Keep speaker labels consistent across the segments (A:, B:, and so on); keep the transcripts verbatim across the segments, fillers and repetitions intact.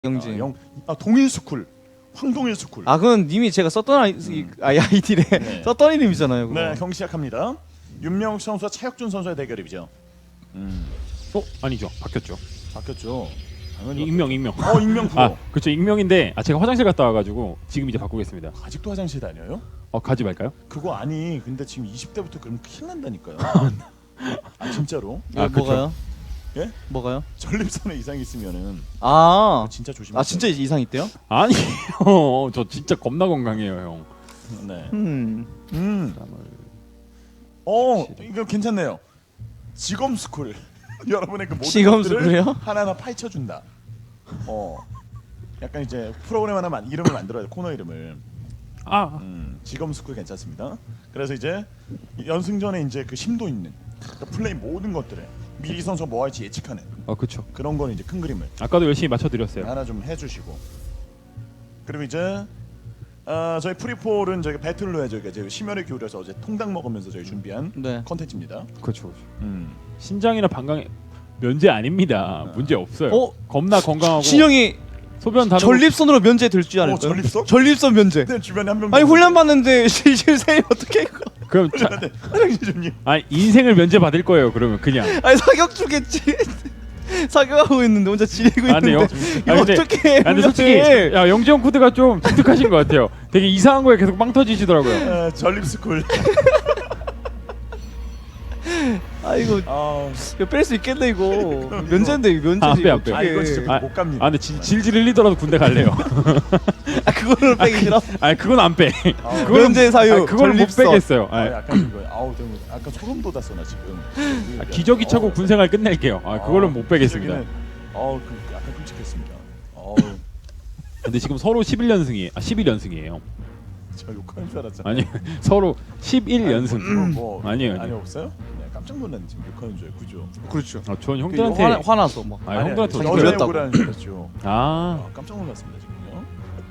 A: 영진.
B: 아, 영, 아 동일 스쿨, 황동일 스쿨.
A: 아 그건 님이 제가 썼던 아이, 음. 아이디래
B: 네.
A: 썼던 이름이잖아요. 그거.
B: 네, 경기 시작합니다. 윤명욱 선수와 차혁준 선수의 대결이죠. 음,
C: 어? 아니죠. 바뀌었죠.
B: 바뀌었죠. 당연히
C: 익명 익명.
B: 바뀌었죠. 어, 익명 프로.
C: 아, 그렇죠. 익명인데 아 제가 화장실 갔다 와가지고 지금 이제 바꾸겠습니다.
B: 아직도 화장실 다녀요?
C: 어 가지 말까요?
B: 그거 아니. 근데 지금 이십 대부터 그러면 큰일 난다니까요. 아 진짜로?
A: 아,
C: 그쵸.
A: 뭐가요?
B: 예?
A: 뭐가요?
B: 전립선에 이상 있으면은
A: 아,
B: 진짜 조심하세요.
A: 아 진짜 이상 있대요?
C: 아니요. 저 진짜 겁나 건강해요, 형.
B: 네.
A: 음.
B: 음. 어, 이거 괜찮네요. 직업 스쿨. 여러분의 그 모든
A: 직업
B: 것들을
A: 스쿨이요?
B: 하나하나 파헤쳐 준다. 어. 약간 이제 프로그램 하나 만 이름을 만들어야 돼. 코너 이름을.
C: 아,
B: 음, 직업 스쿨 괜찮습니다. 그래서 이제 연승전에 이제 그 심도 있는 그러니까 플레이 모든 것들을 미리 선수 뭐 할지 예측하는
C: 어 그렇죠.
B: 그런 거는 이제 큰 그림을
C: 아까도 열심히 맞춰드렸어요.
B: 하나 좀 해주시고 그리고 이제 어, 저희 프리폴은 저희 배틀로에 저희가 저희 심혈을 기울여서 어제 통닭 먹으면서 저희 준비한
A: 네.
B: 컨텐츠입니다.
C: 그렇죠. 그렇죠.
B: 음.
C: 신장이나 방광 면제 아닙니다. 문제 없어요.
A: 어?
C: 겁나 건강하고
A: 신영이
C: 소변 다
A: 전립선으로 면제 될 줄 알아요.
B: 어, 전립선?
A: 전립선 면제.
B: 근데 주변에 한 명.
A: 아니 훈련 받는데 실실생이 어떻게 이거?
C: 그럼 자,
B: 화장실 좀요.
C: 아 인생을 면제 받을 거예요. 그러면 그냥.
A: 아니 사격 주겠지. 사격하고 있는데 혼자 지리고
C: 아, 근데
A: 있는데
C: 영-
A: 이거
C: 아, 근데-
A: 어떻게?
C: 아, 근데 솔직히 야 영지형 코드가 좀 독특하신 것 같아요. 되게 이상한 거에 계속 빵 터지시더라고요.
B: 어, 전립 스쿨.
A: 아 이거
B: 아,
A: 뺄 수 있겠네 이거. 면제인데 이거 면제지.
C: 아, 빼, 안 빼.
B: 아 이거
A: 어떡해.
B: 진짜
C: 아,
B: 못 갑니다.
C: 아 근데 질, 질질 흘리더라도 군대 갈래요.
A: 아 그거를 빼기 싫어?
C: 아니 그건 안 빼.
B: 아,
C: 그거는-
A: 면제 사유.
C: 아니, 그걸 못
A: 전립선.
C: 빼겠어요.
B: 아,
C: 아니,
B: 약간 이거 아우 좀 약간 소름 돋았어 나 지금.
C: 아, 기저귀 차고
B: 어,
C: 군생활 끝낼게요. 아 그거는 못 빼겠습니다.
B: 기저귀는, 어우 그 약간 끔찍했습니다. 어우
C: 근데 지금 서로 십일 연승이에요. 아 십일 연승이에요.
B: 저 욕하는 줄 알았잖아요.
C: 아니 서로 십일 연승.
B: 아니, 뭐, 뭐,
C: 아니에요,
B: 아니
C: 아니에요.
B: 없어요? 네, 깜짝 놀랐네 지금 욕하는 줄 구조.
A: 그렇죠.
C: 아, 전
A: 그
C: 형들한테
A: 화나, 화나서 뭐.
C: 아 형들한테
A: 자기
C: 어떻게
A: 걸렸다고.
B: 여자 욕을 하는 줄 알았죠.
C: 아
B: 아, 깜짝 놀랐습니다 지금요.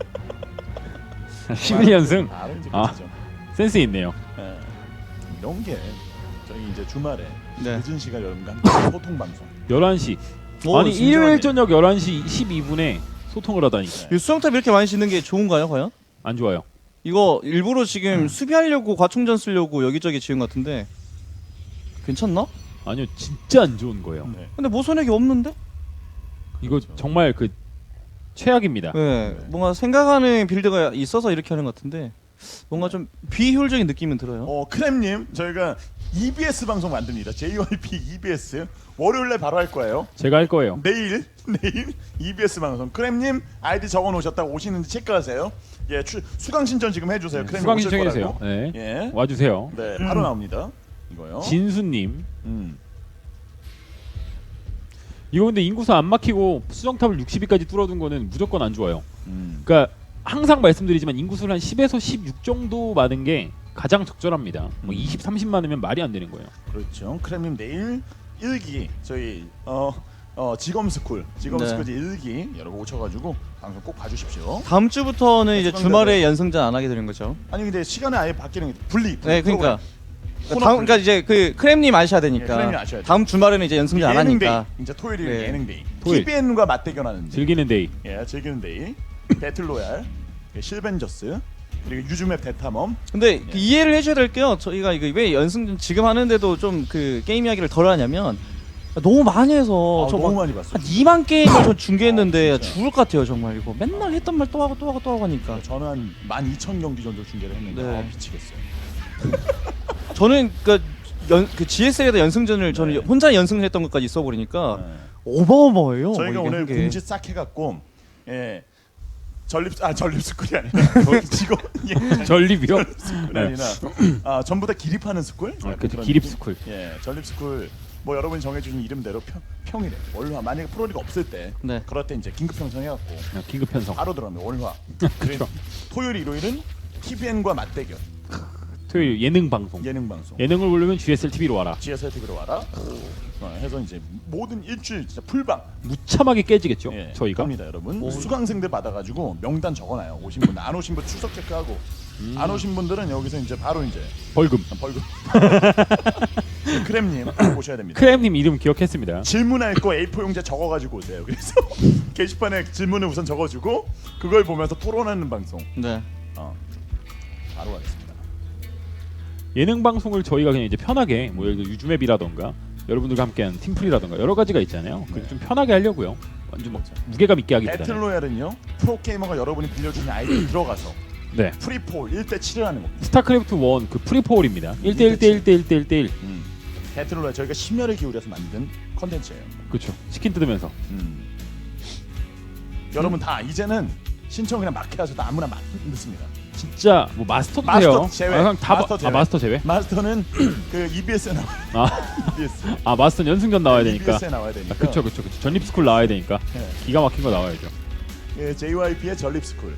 C: 십일 연승
B: 아, 이제
C: 아.
B: 그치죠.
C: 센스 있네요.
B: 예. 이런 게 저희 이제 주말에
A: 네.
B: 늦은 시간 여러분과 함께 소통 방송.
C: 열한 시.
A: 오,
C: 아니
B: 진정하네.
C: 일요일 저녁 열한 시 십이 분에 소통을 하다니.
A: 이 수영탑 이렇게 많이 씻는 게 좋은가요, 과연?
C: 안 좋아요.
A: 이거 일부러 지금 수비하려고 과충전 쓰려고 여기저기 지은 것 같은데 괜찮나?
C: 아니요 진짜 안 좋은 거예요.
B: 네.
A: 근데 뭐 손해기 없는데?
C: 이거 정말 그 최악입니다.
A: 네, 뭔가 생각하는 빌드가 있어서 이렇게 하는 것 같은데 뭔가 좀 비효율적인 느낌은 들어요.
B: 어 크렘님 저희가 이비에스 방송 만듭니다. 제이와이피 이비에스 월요일에 바로 할 거예요.
C: 제가 할 거예요.
B: 내일 내일 이비에스 방송. 크렘님 아이디 적어 놓으셨다고 오시는지 체크하세요. 예, 추, 수강 신청 지금 해주세요. 크렘님
C: 수강
B: 오실
C: 신청해
B: 거라고.
C: 주세요. 네.
B: 예,
C: 와주세요.
B: 네 바로 나옵니다. 이거요.
C: 진수님.
B: 음.
C: 이거 근데 인구수 안 막히고 수정탑을 육십 위까지 뚫어둔 거는 무조건 안 좋아요.
B: 음.
C: 그러니까 항상 말씀드리지만 인구수를 한 십에서 십육 정도 많은 게 가장 적절합니다. 뭐
B: 음.
C: 이십, 삼십 많으면 말이 안 되는 거예요.
B: 그렇죠. 크렘님 내일 일기 저희 어, 어 직업 스쿨 직업
A: 네.
B: 스쿨 일기 여러분 오셔가지고 방송 꼭 봐주십시오.
A: 다음 주부터는 이제
B: 수강자들.
A: 주말에 연승전 안 하게 되는 거죠.
B: 아니 근데 시간이 아예 바뀌는 게 분리.
A: 네, 그러니까.
B: 코너
A: 다음,
B: 분리.
A: 그러니까 이제 그 크렘님 아셔야
B: 예,
A: 되니까.
B: 크렘님 아셔야 돼요.
A: 다음 주말에는 이제 연승전 안
B: 예능 데이.
A: 하니까.
B: 이제 토요일이
A: 네.
B: 예능 데이.
C: 토요일.
B: 티비엔과 맞대결하는 데이.
C: 즐기는 데이.
B: 예, 즐기는 데이. 배틀 로얄, 예, 실벤저스, 그리고 유즈맵 대탐험.
A: 근데
B: 예.
A: 그 이해를 해줘야 될 게요. 저희가 이거 왜 연승전 지금 하는데도 좀 그 게임 이야기를 덜 하냐면 너무 많이 해서
B: 아,
A: 저
B: 너무
A: 막
B: 많이 봤어요.
A: 한 이만 게임을 저 중계했는데
B: 아, 진짜.
A: 죽을 것 같아요 정말 이거 맨날 했던 말 또 하고 또 하고 또 하고 하니까
B: 저는 한 만 이천 경기 정도 중계를 했는데
A: 네.
B: 아, 미치겠어요.
A: 저는 그, 연, 그 지에스에다 연승전을 저는
B: 네.
A: 혼자 연승을 했던 것까지 있어버리니까
B: 네.
A: 어마어마해요.
B: 저희가
A: 뭐 이게
B: 오늘
A: 한 게.
B: 공지 싹 해갖고 예 전립 아 전립 스쿨이 아니라 직업 예,
C: 전립이요?
B: 스쿨이
C: 네.
B: 아니라 아 전부 다 기립하는 스쿨.
C: 아,
B: 약간
C: 그쵸,
B: 그런
C: 기립
B: 느낌?
C: 스쿨.
B: 예 전립 스쿨 뭐 여러분이 정해주신 이름대로 평, 평일에 월화 만약에 프로리가 없을 때
A: 네.
B: 그럴 때 이제 긴급 편성해갖고
C: 아, 긴급 편성.
B: 바로 들어가면 월화.
C: 그쵸.
B: 토요일 일요일은 티비엔과 맞대결.
C: 토요일 예능 방송.
B: 예능 방송.
C: 예능을 보려면 지에스엘 티비로 와라.
B: 지에스엘 티비로 와라. 어, 해서 이제 모든 일주일 진짜 풀방.
C: 무참하게 깨지겠죠.
B: 예,
C: 저희가.
B: 갑니다, 여러분.
A: 오.
B: 수강생들 받아가지고 명단 적어놔요. 오신 분, 안 오신 분 출석 체크하고,
C: 음.
B: 안 오신 분들은 여기서 이제 바로 이제
C: 벌금.
B: 벌금. 크렘님 오셔야 됩니다.
C: 크렘님 이름 기억했습니다.
B: 질문할 거 에이포 용지 적어가지고 오세요. 그래서 게시판에 질문을 우선 적어주고 그걸 보면서 토론하는 방송.
A: 네.
B: 어, 바로 가겠습니다.
C: 예능 방송을 저희가 그냥 이제 편하게 뭐 예를 들어 유즈맵이라던가 여러분들과 함께한 팀플이라던가 여러 가지가 있잖아요. 그좀
B: 네.
C: 편하게 하려고요. 완전 뭐 무게감 있게 하기보다는.
B: 배틀로얄은요 프로게이머가 여러분이 빌려주는 아이디 들어가서
C: 네.
B: 프리폴 일 대 칠을 하는 겁니다.
C: 스타크래프트 일 그 프리포홀입니다. 일 대 일 대 일 대 일 대 일 대 일.
B: 음. 배틀로얄 저희가 심혈을 기울여서 만든 컨텐츠예요.
C: 그렇죠. 치킨 뜯으면서.
B: 음. 여러분 다 이제는 신청 그냥 막 해서 아무나 막 넣습니다.
C: 진짜 뭐 마스터도
B: 마스터
C: 돼요.
B: 제외.
C: 아, 그냥 다
B: 마스터
C: 마,
B: 제외.
C: 아 마스터 제외?
B: 마스터는 그 이비에스에 나와요.
C: 아,
B: 이비에스.
C: 아 마스터 연승전 나와야 되니까.
B: 이비에스에 나와야 되니까.
C: 아, 그쵸 그쵸 그쵸. 전립스쿨 나와야 되니까.
B: 네.
C: 기가 막힌 거 나와야죠.
B: 예, 제이와이피의 전립스쿨.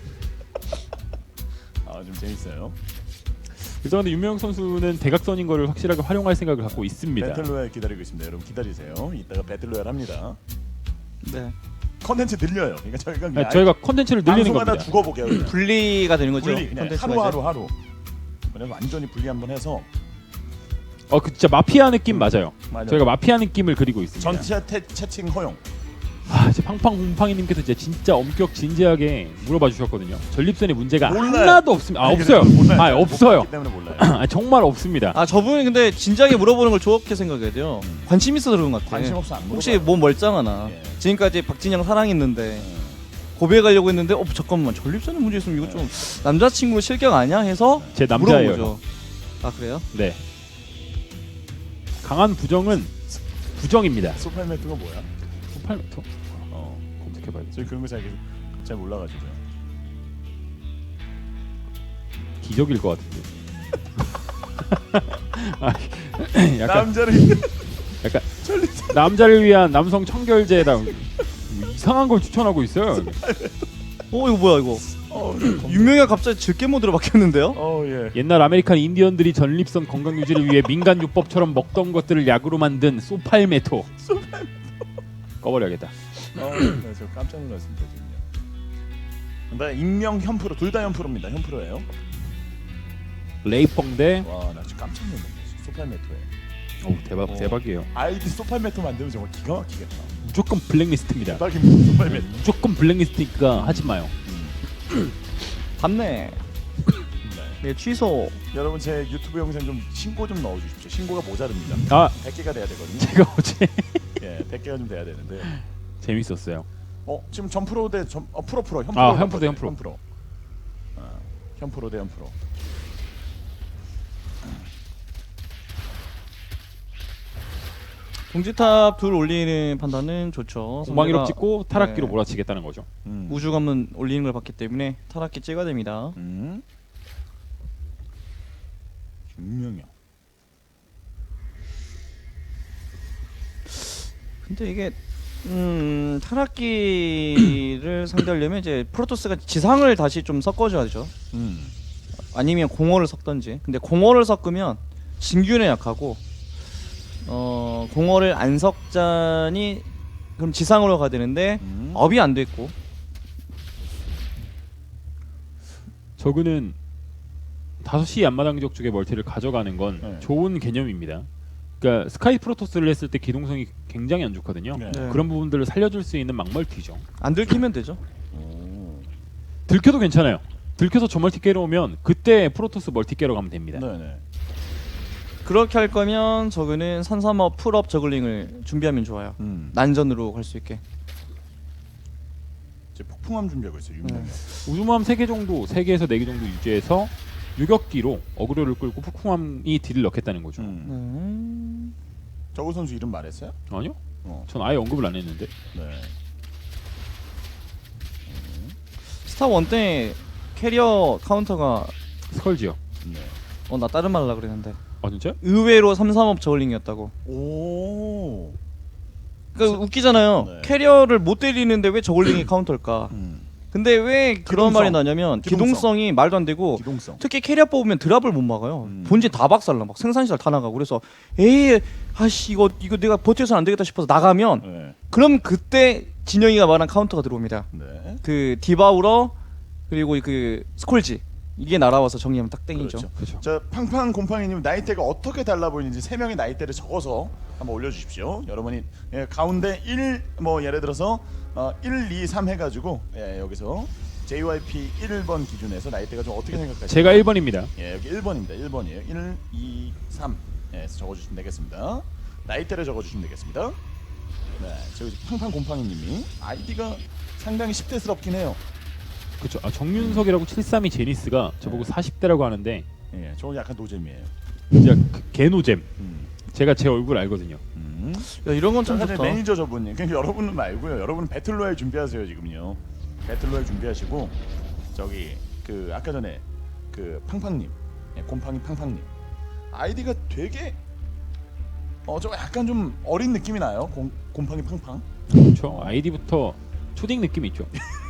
B: 아, 좀 재밌어요.
C: 그래서 근데 윤명혁 선수는 대각선인 거를 확실하게 활용할 생각을 갖고 있습니다.
B: 배틀로얄 기다리고 있습니다. 여러분 기다리세요. 이따가 배틀로얄 합니다.
A: 네.
B: 컨텐츠 늘려요. 그러니까 저희가 그냥
C: 아, 저희가 컨텐츠를 늘리는
B: 방송하다
C: 겁니다.
B: 죽어보게요. 그냥.
A: 분리가 되는 거죠.
B: 분리 그냥
A: 콘텐츠가
B: 하루
A: 이제.
B: 하루 하루. 그래서 완전히 분리 한번 해서
C: 어, 그 진짜 마피아 느낌 맞아요.
B: 맞아요.
C: 저희가 마피아 느낌을 그리고 있습니다.
B: 전체 태, 채팅 허용.
C: 아, 이제 팡팡곰팡이님께서 이제 진짜 엄격 진지하게 물어봐 주셨거든요. 전립선에 문제가
B: 몰라요.
C: 하나도 없습니다. 아,
B: 아니,
C: 없어요.
B: 몰라요.
C: 아,
B: 못
C: 없어요.
B: 봤기 때문에 몰라요.
C: 아, 정말 없습니다.
A: 아 저분이 근데 진지하게 물어보는 걸 좋게 생각해야 돼요. 관심 있어서 그런 것 같아.
B: 관심 없어 안 물어봐.
A: 혹시 뭐 멀쩡하나?
B: 예.
A: 지금까지 박진영 사랑했는데 고백하려고 했는데 어 잠깐만 전립선에 문제 있으면 이거 좀 남자친구 실격 아니야? 해서
C: 제 남자예요.
A: 물어보죠. 아 그래요?
C: 네. 강한 부정은 부정입니다.
B: 소팔매트가 뭐야?
C: 팔 미터
B: 어,
C: 검색해봐야겠죠.
B: 저희 그런 거 잘 잘 몰라가지고요.
C: 기적일 것 같은데. 아, 약간
B: 남자를
C: 약간
B: 전립선
C: 남자를 위한 남성 청결제다. 이상한 걸 추천하고 있어요.
A: 어 이거 뭐야 이거?
B: 어,
A: 유명해 갑자기 질게 모드로 바뀌었는데요?
B: 어 예.
C: 옛날 아메리칸 인디언들이 전립선 건강 유지를 위해 민간 요법처럼 먹던 것들을 약으로 만든 소팔메토. 꺼버려야겠다.
B: 어, 네, 저 깜짝 놀랐습니다 지금요. 나 익명 현프로 둘 다 현프로입니다. 현프로예요.
C: 레이펑 대.
B: 와, 나 지금 깜짝 놀랐네. 소팔매토에.
C: 오 대박
B: 어.
C: 대박이에요.
B: 아이디 소팔매토 만들면 정말 기가 막히겠다.
C: 무조건 블랙리스트입니다.
B: 대박입니다. 소팔매토.
C: 무조건 블랙리스트니까 하지 마요.
A: 봤네.
B: 네.
A: 네 취소.
B: 여러분 제 유튜브 영상 좀 신고 좀 넣어주십시오. 신고가 모자릅니다.
C: 아
B: 백 개가 돼야 되거든요.
C: 제가 어제
B: 예, 백 개가 좀 돼야 되는데.
C: 재밌었어요.
B: 어, 지금 전프로 대 전, 어, 프로 프로 현프로.
C: 아, 현프로 대 현프로.
B: 현프로. 아, 현프로 대 현프로.
A: 동지탑 둘 올리는 판단은 좋죠.
C: 공방이로
A: 상대가,
C: 찍고 타락기로
A: 네,
C: 몰아치겠다는 거죠.
B: 음.
A: 우주관문 올리는 걸 봤기 때문에 타락기 찍어야 됩니다.
B: 음. 김명영.
A: 근데 이게 음 타락기를 상대하려면 이제 프로토스가 지상을 다시 좀 섞어줘야죠.
B: 음.
A: 아니면 공허를 섞던지. 근데 공허를 섞으면 진균에 약하고 어 공허를 안 섞자니 그럼 지상으로 가야 되는데
B: 음.
A: 업이 안 됐고.
C: 저그는 다섯 시 앞마당 지역 쪽에 멀티를 가져가는 건
B: 네.
C: 좋은 개념입니다. 그러니까 스카이 프로토스를 했을 때 기동성이 굉장히 안 좋거든요.
B: 네.
A: 네.
C: 그런 부분들을 살려줄 수 있는 막멀티죠.
A: 안 들키면 되죠.
B: 오.
C: 들켜도 괜찮아요. 들켜서 저 멀티 깨러 오면 그때 프로토스 멀티 깨러 가면 됩니다.
B: 네네.
A: 그렇게 할 거면 저그는 산삼업 풀업 저글링을 준비하면 좋아요.
B: 음.
A: 난전으로 갈 수 있게.
B: 이제 폭풍함 준비하고 있어요. 윤명영.
C: 우주모함 세 개 정도, 세 개에서 네 개 정도 유지해서 유격기로 어그로를 끌고 폭풍함이 딜을 넣겠다는 거죠.
B: 음.
A: 음...
B: 저우 선수 이름 말했어요?
C: 아니요?
B: 어.
C: 전 아예 언급을 안 했는데.
B: 네.
A: 스타 원 때 캐리어 카운터가
C: 스컬지요.
B: 네.
A: 어 나 다른 말 하려고 그랬는데
C: 아 진짜?
A: 의외로 삼삼업 저글링이었다고.
B: 오.
A: 그러니까 웃기잖아요.
B: 네.
A: 캐리어를 못 때리는데 왜 저글링이 카운터일까?
B: 음.
A: 근데 왜 그런
B: 기동성.
A: 말이 나냐면
B: 기동성.
A: 기동성이 말도 안 되고
B: 기동성.
A: 특히 캐리어 뽑으면 드랍을 못 막아요.
B: 음.
A: 본진 다 박살나 막 생산시설 다 나가고 그래서 에이 아씨 이거 이거 내가 버텨서 안 되겠다 싶어서 나가면
B: 네.
A: 그럼 그때 진영이가 말한 카운터가 들어옵니다.
B: 네.
A: 그 디바우러 그리고 그 스콜지 이게 날아와서 정리하면 딱 땡이죠.
B: 그렇죠.
C: 그렇죠.
B: 자 팡팡 곰팡이님 나이대가 어떻게 달라 보이는지 세 명의 나이대를 적어서 한번 올려주십시오. 여러분이 예, 가운데 일 뭐 예를 들어서 어, 일, 이, 삼 해가지고 예, 여기서 제이와이피 일 번 기준에서 나이대가 좀 어떻게 생각하시나요?
C: 제가 일 번입니다.
B: 예, 여기 일 번입니다. 일 번이에요. 일, 이, 삼 예, 적어주시면 되겠습니다. 나이대를 적어주시면 되겠습니다. 네, 저기 팡팡 곰팡이님이 아이디가 상당히 십 대스럽긴 해요.
C: 그렇죠. 아, 정윤석이라고 칠삼이 제니스가 저보고
B: 네.
C: 사십 대라고 하는데
B: 예, 저거 약간 노잼이에요.
C: 진짜 그 개노잼.
B: 음.
C: 제가 제 얼굴 알거든요.
B: 음.
A: 야 이런 건 참
B: 사실
A: 좋다.
B: 매니저 저분님, 그러니까 여러분은 말고요. 여러분은 배틀로얄 준비하세요 지금요. 배틀로얄 준비하시고 저기 그 아까 전에 그 팡팡님, 예, 곰팡이 팡팡님 아이디가 되게 어 좀 약간 좀 어린 느낌이 나요. 곰, 곰팡이 팡팡.
C: 그렇죠. 아이디부터 초딩 느낌이 있죠.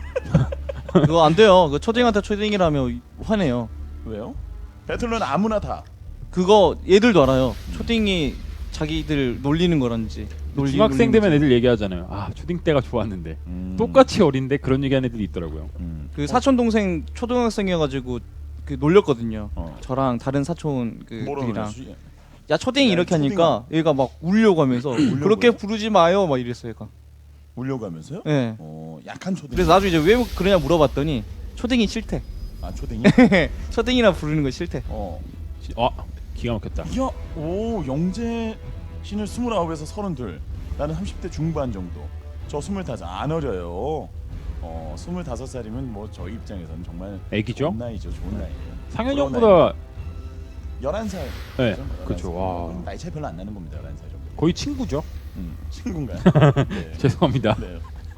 A: 그거 안 돼요. 그 초딩한테 초딩이라면 화내요.
B: 왜요? 배틀로얄 아무나 다.
A: 그거 얘들도 알아요. 초딩이 자기들 놀리는 거란지. 놀리-
C: 중학생
A: 놀리는
C: 되면
A: 거지.
C: 애들 얘기하잖아요. 아 초딩 때가 좋았는데
B: 음.
C: 똑같이 어린데 그런 얘기하는 애들이 있더라고요.
B: 음.
A: 그 사촌 동생 초등학생이어가지고 그 놀렸거든요.
B: 어.
A: 저랑 다른 사촌
B: 뭐라
A: 그들이랑
B: 그러지?
A: 야 초딩
B: 야,
A: 이렇게 하니까 얘가 막 울려고 하면서 그렇게 부르지 마요 막 이랬어요 얘가.
B: 울려고 하면서요?
A: 예.
B: 어, 약한 초딩.
A: 그래서 나중에 이제 왜 그러냐 물어봤더니 초딩이 싫대.
B: 아 초딩이?
A: 초딩이라 부르는 거 싫대.
B: 어.
C: 아 기가 막혔다.
B: 야, 오 영재 씨는 스물아홉에서 서른둘. 나는 삼십 대 중반 정도. 저 스물다섯 안 어려요. 어, 스물다섯 살이면 뭐 저희 입장에서는 정말
C: 애기죠?
B: 좋은 나이죠, 좋은 나이예요.
C: 상현이
B: 그런
C: 형보다
B: 열한 살.
C: 네, 그렇죠. 와.
B: 나이 차이 별로 안 나는 겁니다, 열한 살 정도.
C: 거의 친구죠.
B: 음, 친구인가요? 네.
C: 죄송합니다.
B: 네.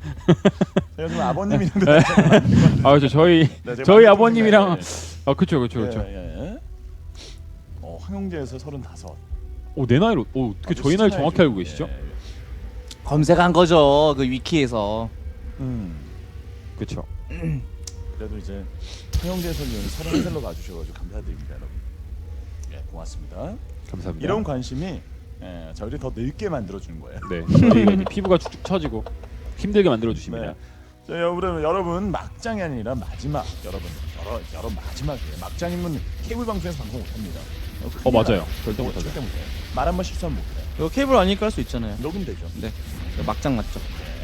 B: 제가 좀 아버님이랑 나이 차이가 나는 것 같은데.
C: 아 저 저희
B: 네, 제가
C: 저희
B: 많이
C: 아버님이랑
B: 좀
C: 아 그렇죠 그렇죠 그렇죠.
B: 예, 예. 어, 황영재에서 서른다섯.
C: 오 내 나이로 오 어떻게
B: 아주
C: 저희 나이
B: 스타일이죠.
C: 정확히 알고 계시죠?
B: 예, 예.
A: 검색한 거죠 그 위키에서.
B: 음.
C: 그렇죠.
B: 그래도 이제 황영재 선수는 서른 살로 봐주셔가지고 감사드립니다, 여러분. 예, 고맙습니다.
C: 감사합니다.
B: 이런 관심이 예, 저희를 더 늙게 만들어주는 거예요.
C: 네 저희가 이제 피부가 축축 처지고 힘들게 만들어 주십니다.
B: 네. 자, 여러분, 여러분 막장이 아니라 마지막 여러분 여러 여러 마지막이에요. 막장이면 케이블 방송에서 방송 못합니다.
C: 어 맞아요. 절대 못하죠.
B: 절대 못해요. 말 한 번 실수하면 못해요.
A: 이거 케이블 아니니까 할 수 있잖아요.
B: 녹음되죠.
A: 네. 막장 맞죠.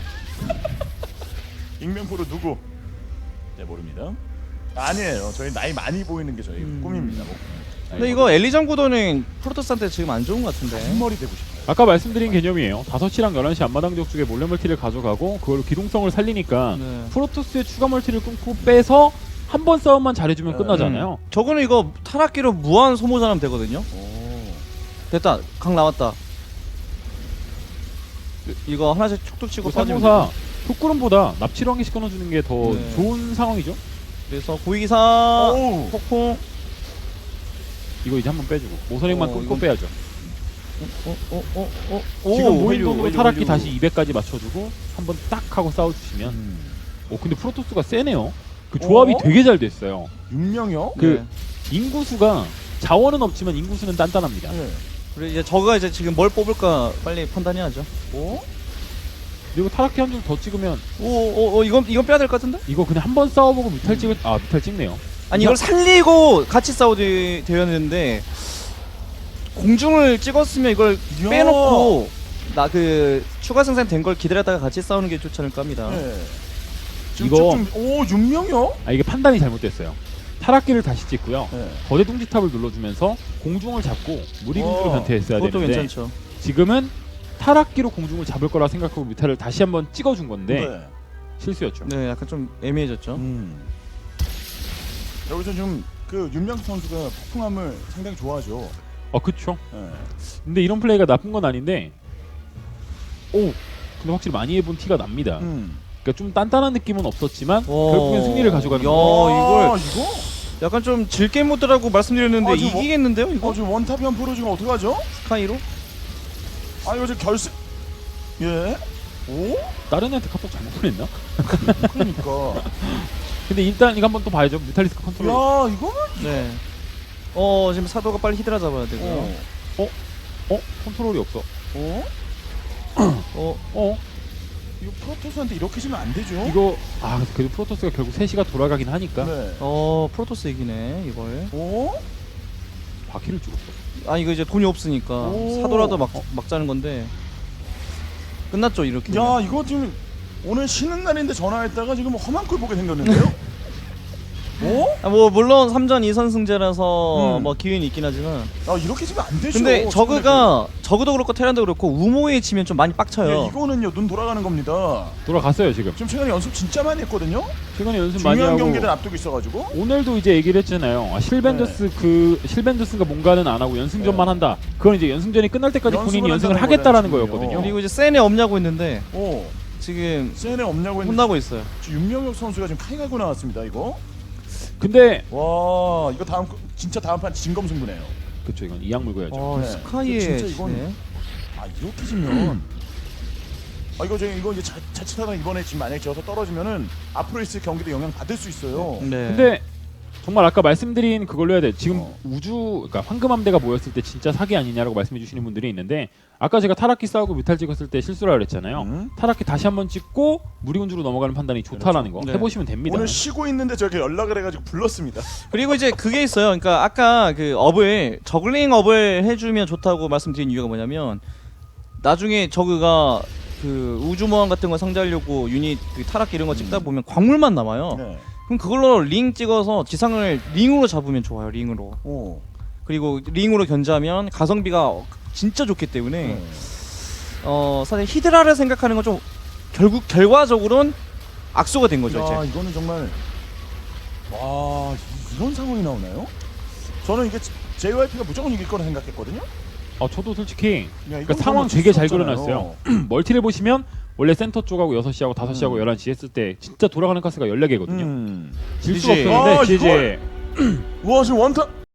B: 익명프로 누구? 네 모릅니다. 아니에요. 저희 나이 많이 보이는 게 저희
A: 음.
B: 꿈입니다. 뭐.
A: 근데 이거 엘리전 구도는 프로토스한테 지금 안 좋은 것 같은데.
B: 흰머리 되고 싶어요.
C: 아까 말씀드린 개념이에요. 다섯 시랑 열한 시 앞마당 적 쪽에 몰래 멀티를 가져가고 그걸로 기동성을 살리니까
A: 네.
C: 프로토스의 추가 멀티를 끊고 빼서 한 번 싸움만 잘해주면
B: 네.
C: 끝나잖아요.
A: 저거는 이거 타락기로 무한 소모전하면 되거든요.
B: 오.
A: 됐다. 강 나왔다. 이거 하나씩 툭툭 치고
C: 그
A: 빠지면
C: 삼호사
A: 돼요.
C: 속구름보다 납치를 한 개씩 끊어주는 게 더
A: 네.
C: 좋은 상황이죠.
A: 그래서 고위기사
B: 오.
A: 폭풍.
C: 이거 이제 한번 빼주고 모선액만
A: 어,
C: 끊고
A: 이건-
C: 빼야죠.
A: 어어어어
C: 지금 모인 돈으로 타락기 다시 이백까지 맞춰주고 한번 딱 하고 싸워주시면
B: 음.
C: 오 근데 프로토스가 세네요. 그 조합이
B: 어?
C: 되게 잘 됐어요.
B: 윤명이요?
C: 그 인구수가 자원은 없지만 인구수는 단단합니다.
B: 네.
A: 그래 이제 저가 이제 지금 뭘 뽑을까 빨리 판단해야죠.
B: 오?
C: 그리고 타락기 한 줄 더 찍으면
A: 오오오 이건 이건 빼야 될 것 같은데?
C: 이거 그냥 한 번 싸워보고 뮤탈 찍을 아 뮤탈 찍네요.
A: 아니 이걸 살리고 같이 싸우되 되었는데 공중을 찍었으면 이걸
B: 이야.
A: 빼놓고 나 그 추가 생산 된 걸 기다렸다가 같이 싸우는 게 좋지 않을까 합니다.
B: 네. 지금
C: 이거-
B: 좀, 오 윤명이요?
C: 아 이게 판단이 잘못됐어요. 타락기를 다시 찍고요.
B: 네.
C: 거대 둥지탑을 눌러주면서 공중을 잡고 무리군주로
B: 어,
C: 변태했어야
A: 그것도
C: 되는데
A: 괜찮죠.
C: 지금은 타락기로 공중을 잡을 거라 생각하고 뮤탈을 다시 한번 찍어준 건데
B: 네.
C: 실수였죠.
A: 네, 약간 좀 애매해졌죠.
B: 음. 여기서 좀 그 윤명수 선수가 폭풍함을 상당히 좋아하죠.
C: 아 그쵸.
B: 네.
C: 근데 이런 플레이가 나쁜 건 아닌데 오 근데 확실히 많이 해본 티가 납니다.
B: 음.
C: 그러니까 좀 단단한 느낌은 없었지만
A: 오.
C: 결국엔 승리를 가져가는
A: 야,
C: 거.
A: 이걸-
B: 이거?
A: 약간 좀 질게 모드라고 말씀드렸는데
B: 아, 지금 뭐-
A: 이기겠는데요, 이거?
B: 어 지금 원탑이 한 프로 지금 어떡하죠?
A: 스카이로?
B: 아 이거 지금 결승 예. 오?
C: 다른 애한테 카톡 잘못 보냈나?
B: 그러니까.
C: 근데 일단 이거 한번 또 봐야죠. 뮤탈리스크 컨트롤.
B: 야 이거는.
A: 네. 어 지금 사도가 빨리 히드라 잡아야 되고요.
B: 어.
C: 어? 컨트롤이 없어.
B: 어?
A: 어,
C: 어?
B: 이거 프로토스한테 이렇게 지면 안 되죠?
C: 이거 아 그래도 프로토스가 결국 세 시가 돌아가긴 하니까
B: 네.
A: 어 프로토스 이기네 이걸.
B: 오?
C: 바퀴를 죽었어.
A: 아 이거 이제 돈이 없으니까
B: 오.
A: 사도라도 막 막자는 건데 끝났죠 이렇게.
B: 야 이거 지금 오늘 쉬는 날인데 전화했다가 지금 험한 꼴 보게 생겼는데요? 오?
A: 아, 뭐 물론 삼 전 이 선승제라서
B: 음.
A: 뭐 기회는 있긴 하지만
B: 아 이렇게 지면 안 되죠.
A: 근데 저그가 저그도 그렇고 테란도 그렇고 우모에 치면 좀 많이 빡쳐요.
B: 예, 이거는요 눈 돌아가는 겁니다.
C: 돌아갔어요 지금.
B: 지금 최근에 연습 진짜 많이 했거든요.
C: 최근에 연습 많이
B: 중요한
C: 하고
B: 경기들 앞두고 있어가지고.
C: 오늘도 이제 얘기를 했잖아요. 아, 실벤더스 그 실벤더스가 뭔가는 안 하고 연승전만
B: 네.
C: 한다. 그건 이제 연승전이 끝날 때까지
B: 연습을
C: 본인이 연승을
B: 한다는
C: 하겠다라는
B: 거잖아요,
C: 거였거든요.
B: 지금요.
A: 그리고 이제 센에 없냐고 했는데
B: 오.
A: 지금
B: 세네 없냐고 했는데
A: 혼나고 있어요.
B: 지금 윤명혁 선수가 지금 카이 갈고 나왔습니다. 이거.
C: 근데
B: 와 이거 다음 진짜 다음 판 진검승부네요.
C: 그쵸 이건 이악 물고 해야죠.
A: 어
B: 네.
A: 스카이에
B: 진짜 이건-
A: 지네.
B: 아 이렇게 지면 아 이거 저희 이거 이제 자, 자칫하다 이번에 지금 만약에 져서 떨어지면은 앞으로 있을 경기도 영향 받을 수 있어요.
A: 네.
C: 근데 정말 아까 말씀드린 그걸로 해야 돼. 지금
B: 어.
C: 우주 그러니까 황금함대가 모였을 때 진짜 사기 아니냐라고 말씀해 주시는 분들이 있는데 아까 제가 타락기 싸우고 뮤탈 찍었을 때 실수라 그랬잖아요.
B: 음.
C: 타락기 다시 한번 찍고 무리군주로 넘어가는 판단이 좋다라는 거
A: 네.
C: 해보시면 됩니다.
B: 오늘 쉬고 있는데 저렇게 연락을 해가지고 불렀습니다.
A: 그리고 이제 그게 있어요. 그러니까 아까 그 업을 저글링 업을 해주면 좋다고 말씀드린 이유가 뭐냐면 나중에 저그가 그 우주모함 같은 거 상대하려고 유닛 그 타락 이런 거 찍다 보면 광물만 남아요.
B: 네.
A: 그럼 그걸로 링 찍어서 지상을 링으로 잡으면 좋아요. 링으로.
B: 오.
A: 그리고 링으로 견제하면 가성비가 진짜 좋기 때문에
B: 네.
A: 어 사실 히드라를 생각하는 건 좀 결국 결과적으로는 악수가 된 거죠.
B: 야,
A: 이제.
B: 이거는 정말 와 이- 이런 상황이 나오나요? 저는 이게 제이와이피가 무조건 이길 거라 생각했거든요.
C: 어, 저도 솔직히
B: 야,
C: 그러니까
B: 이건
C: 상황
B: 질
C: 되게
B: 수
C: 잘
B: 없잖아요.
C: 그려놨어요. 멀티를 보시면 원래 센터 쪽하고 여섯 시하고 다섯 시하고
B: 음.
C: 열한 시 했을 때 진짜 돌아가는 가스가 열네 개거든요.
B: 음.
C: 질 수가
A: 지지.
C: 없었는데
B: 아,
C: 지지
B: 와 지금 원타